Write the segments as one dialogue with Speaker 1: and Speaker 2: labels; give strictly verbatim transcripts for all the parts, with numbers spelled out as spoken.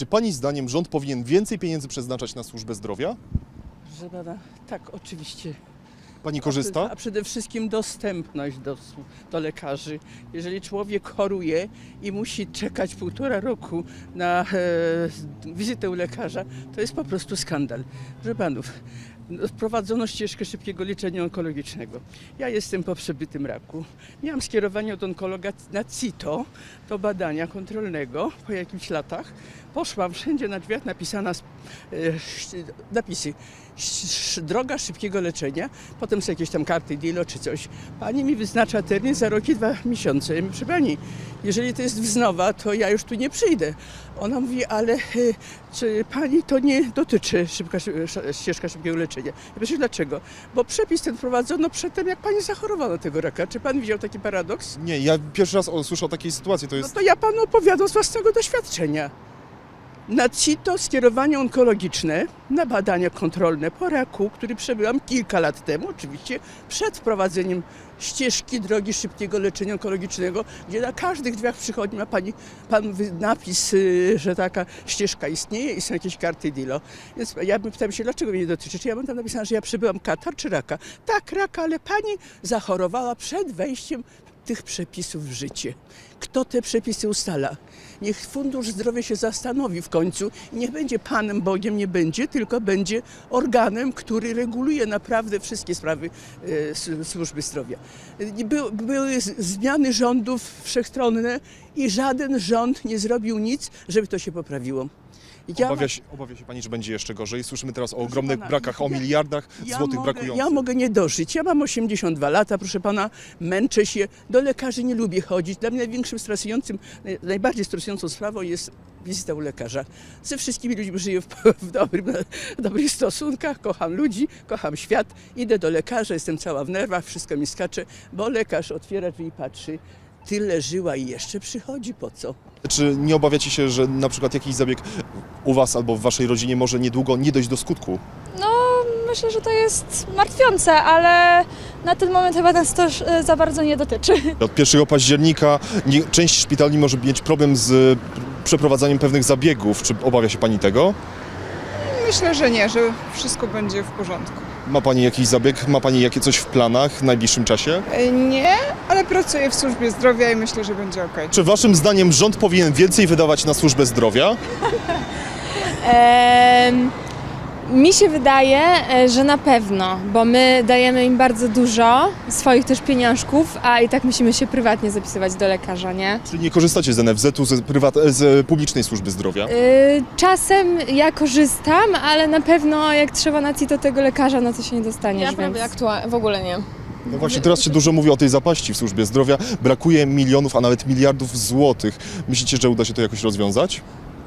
Speaker 1: Czy Pani zdaniem rząd powinien więcej pieniędzy przeznaczać na służbę zdrowia?
Speaker 2: Że pana, tak, oczywiście.
Speaker 1: Pani korzysta?
Speaker 2: A przede wszystkim dostępność do, do lekarzy. Jeżeli człowiek choruje i musi czekać półtora roku na e, wizytę u lekarza, to jest po prostu skandal. Proszę panów, wprowadzono ścieżkę szybkiego leczenia onkologicznego. Ja jestem po przebytym raku. Miałam skierowanie od onkologa na CITO do badania kontrolnego po jakichś latach. Poszłam, wszędzie na drzwiach napisana e, napisy droga szybkiego leczenia, potem są jakieś tam karty DILO czy coś. Pani mi wyznacza termin za rok i dwa miesiące. Ja mówię, proszę pani, jeżeli to jest wznowa, to ja już tu nie przyjdę. Ona mówi, ale y, czy pani to nie dotyczy szybka, ścieżka szybkiego leczenia? Ja myślę, dlaczego? Bo przepis ten wprowadzono przedtem, jak pani zachorowała na tego raka. Czy pan widział taki paradoks?
Speaker 1: Nie, ja pierwszy raz słyszę o takiej sytuacji. To jest...
Speaker 2: No to ja panu opowiadam z własnego doświadczenia. Na CITO skierowanie onkologiczne na badania kontrolne po raku, który przebyłam kilka lat temu, oczywiście przed wprowadzeniem ścieżki drogi szybkiego leczenia onkologicznego, gdzie na każdych drzwiach przychodni ma pani, pan napis, że taka ścieżka istnieje i są jakieś karty DILO. Więc ja pytam się, dlaczego mnie nie dotyczy? Czy ja mam tam napisane, że ja przebyłam katar czy raka? Tak, raka, ale pani zachorowała przed wejściem tych przepisów w życie. Kto te przepisy ustala? Niech Fundusz Zdrowia się zastanowi w końcu i niech będzie Panem Bogiem, nie będzie, tylko będzie organem, który reguluje naprawdę wszystkie sprawy e, służby zdrowia. By, były zmiany rządów wszechstronne i żaden rząd nie zrobił nic, żeby to się poprawiło. Ja
Speaker 1: obawia, się, obawia się Pani, że będzie jeszcze gorzej? Słyszymy teraz o
Speaker 2: proszę
Speaker 1: ogromnych
Speaker 2: pana,
Speaker 1: brakach, o
Speaker 2: ja,
Speaker 1: miliardach
Speaker 2: ja
Speaker 1: złotych
Speaker 2: mogę,
Speaker 1: brakujących.
Speaker 2: Ja mogę nie dożyć. Ja mam osiemdziesiąt dwa lata, proszę pana, męczę się. Do lekarzy nie lubię chodzić. Dla mnie największym stresującym, najbardziej stresującą sprawą jest wizyta u lekarza. Ze wszystkimi ludźmi żyję w, w, dobrym, w dobrych stosunkach, kocham ludzi, kocham świat. Idę do lekarza, jestem cała w nerwach, wszystko mi skacze, bo lekarz otwiera drzwi i patrzy. Tyle żyła i jeszcze przychodzi, po co?
Speaker 1: Czy nie obawiacie się, że na przykład jakiś zabieg u Was albo w Waszej rodzinie może niedługo nie dojść do skutku?
Speaker 3: No, myślę, że to jest martwiące, ale na ten moment chyba nas to za bardzo nie dotyczy.
Speaker 1: Od pierwszego października nie, część szpitali może mieć problem z przeprowadzaniem pewnych zabiegów. Czy obawia się Pani tego?
Speaker 4: Myślę, że nie, że wszystko będzie w porządku.
Speaker 1: Ma Pani jakiś zabieg? Ma Pani jakie coś w planach w najbliższym czasie?
Speaker 4: Nie, ale pracuję w służbie zdrowia i myślę, że będzie ok.
Speaker 1: Czy Waszym zdaniem rząd powinien więcej wydawać na służbę zdrowia?
Speaker 3: Eee, mi się wydaje, że na pewno, bo my dajemy im bardzo dużo swoich też pieniążków, a i tak musimy się prywatnie zapisywać do lekarza, nie?
Speaker 1: Czy nie korzystacie z en ef zetu, z, prywat- z publicznej służby zdrowia?
Speaker 3: Eee, czasem ja korzystam, ale na pewno jak trzeba na CITO tego lekarza, no to się nie dostaniesz,
Speaker 5: Ja
Speaker 3: więc...
Speaker 5: prawie aktualnie, w ogóle nie.
Speaker 1: No właśnie teraz się dużo mówi o tej zapaści w służbie zdrowia. Brakuje milionów, a nawet miliardów złotych. Myślicie, że uda się to jakoś rozwiązać?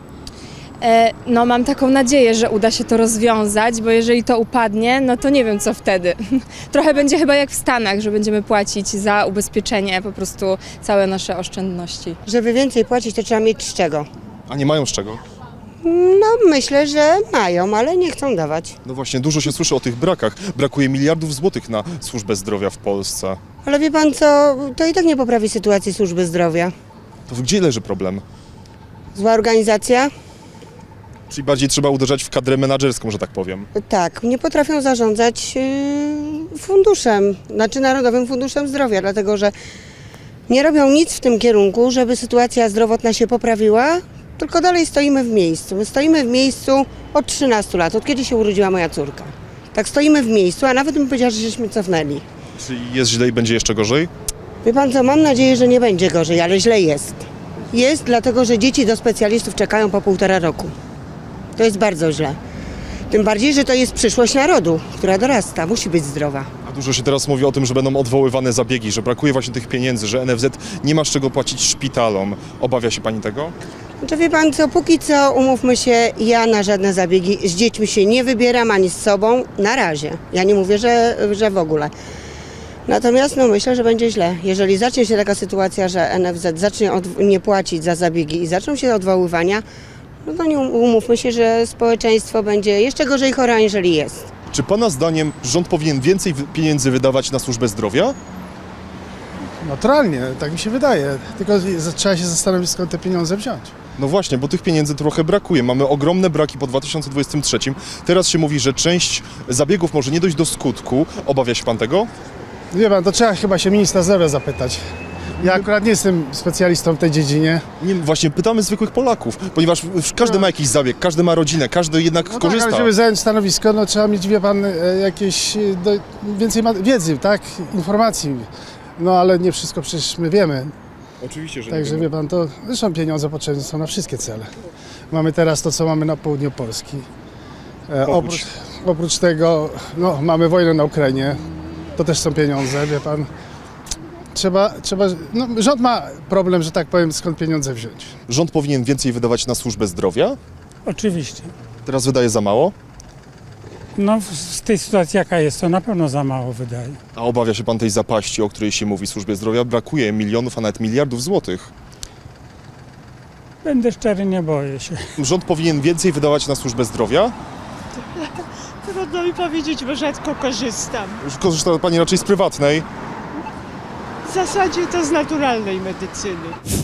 Speaker 3: No mam taką nadzieję, że uda się to rozwiązać, bo jeżeli to upadnie, no to nie wiem co wtedy. Trochę będzie chyba jak w Stanach, że będziemy płacić za ubezpieczenie po prostu całe nasze oszczędności.
Speaker 6: Żeby więcej płacić, to trzeba mieć z czego.
Speaker 1: A nie mają z czego?
Speaker 6: No myślę, że mają, ale nie chcą dawać.
Speaker 1: No właśnie, dużo się słyszy o tych brakach. Brakuje miliardów złotych na służbę zdrowia w Polsce.
Speaker 6: Ale wie pan co, to i tak nie poprawi sytuacji służby zdrowia.
Speaker 1: To gdzie leży problem?
Speaker 6: Zła organizacja?
Speaker 1: Czyli bardziej trzeba uderzać w kadrę menadżerską, że tak powiem.
Speaker 6: Tak, nie potrafią zarządzać yy, funduszem, znaczy Narodowym Funduszem Zdrowia, dlatego że nie robią nic w tym kierunku, żeby sytuacja zdrowotna się poprawiła, tylko dalej stoimy w miejscu. My stoimy w miejscu od trzynastu lat, od kiedy się urodziła moja córka. Tak stoimy w miejscu, a nawet bym powiedziała, że żeśmy cofnęli.
Speaker 1: Czyli jest źle i będzie jeszcze gorzej?
Speaker 6: Wie pan co, mam nadzieję, że nie będzie gorzej, ale źle jest. Jest dlatego, że dzieci do specjalistów czekają po półtora roku. To jest bardzo źle. Tym bardziej, że to jest przyszłość narodu, która dorasta, musi być zdrowa.
Speaker 1: A dużo się teraz mówi o tym, że będą odwoływane zabiegi, że brakuje właśnie tych pieniędzy, że en ef zet nie ma z czego płacić szpitalom. Obawia się Pani tego?
Speaker 6: Znaczy wie pan co, póki co, umówmy się, ja na żadne zabiegi z dziećmi się nie wybieram, ani z sobą, na razie. Ja nie mówię, że, że w ogóle. Natomiast no, myślę, że będzie źle. Jeżeli zacznie się taka sytuacja, że en ef zet zacznie od, nie płacić za zabiegi i zaczną się odwoływania, no to nie umówmy się, że społeczeństwo będzie jeszcze gorzej chore, aniżeli jest.
Speaker 1: Czy Pana zdaniem rząd powinien więcej pieniędzy wydawać na służbę zdrowia?
Speaker 5: Naturalnie, tak mi się wydaje. Tylko z- trzeba się zastanowić, skąd te pieniądze wziąć.
Speaker 1: No właśnie, bo tych pieniędzy trochę brakuje. Mamy ogromne braki po dwa tysiące dwudziestym trzecim. Teraz się mówi, że część zabiegów może nie dojść do skutku. Obawia się pan tego?
Speaker 5: Wie pan, to trzeba chyba się ministra zdrowia zapytać. Ja akurat nie jestem specjalistą w tej dziedzinie.
Speaker 1: Nie, właśnie pytamy zwykłych Polaków, ponieważ każdy ma jakiś zabieg, każdy ma rodzinę, każdy jednak
Speaker 5: No tak,
Speaker 1: korzysta.
Speaker 5: ale żeby zająć stanowisko, no trzeba mieć, wie pan, e, jakieś e, do, więcej ma- wiedzy, tak? Informacji. No ale nie wszystko przecież my wiemy.
Speaker 1: Oczywiście, że
Speaker 5: Także wie pan, to zresztą pieniądze potrzebne są na wszystkie cele. Mamy teraz to, co mamy na południu Polski. E,
Speaker 1: Oprócz-
Speaker 5: oprócz, oprócz tego, no, mamy wojnę na Ukrainie. To też są pieniądze, wie pan. Trzeba, trzeba, no, rząd ma problem, że tak powiem, skąd pieniądze wziąć.
Speaker 1: Rząd powinien więcej wydawać na służbę zdrowia.
Speaker 7: Oczywiście.
Speaker 1: Teraz wydaje za mało.
Speaker 7: No w, w tej sytuacji jaka jest, to na pewno za mało wydaje.
Speaker 1: A obawia się pan tej zapaści, o której się mówi w służbie zdrowia? Brakuje milionów, a nawet miliardów złotych.
Speaker 7: Będę szczery, nie boję się.
Speaker 1: Rząd powinien więcej wydawać na służbę zdrowia.
Speaker 8: Trudno mi powiedzieć, bo rzadko korzystam.
Speaker 1: Już korzysta pani raczej z prywatnej.
Speaker 8: W zasadzie to z naturalnej medycyny.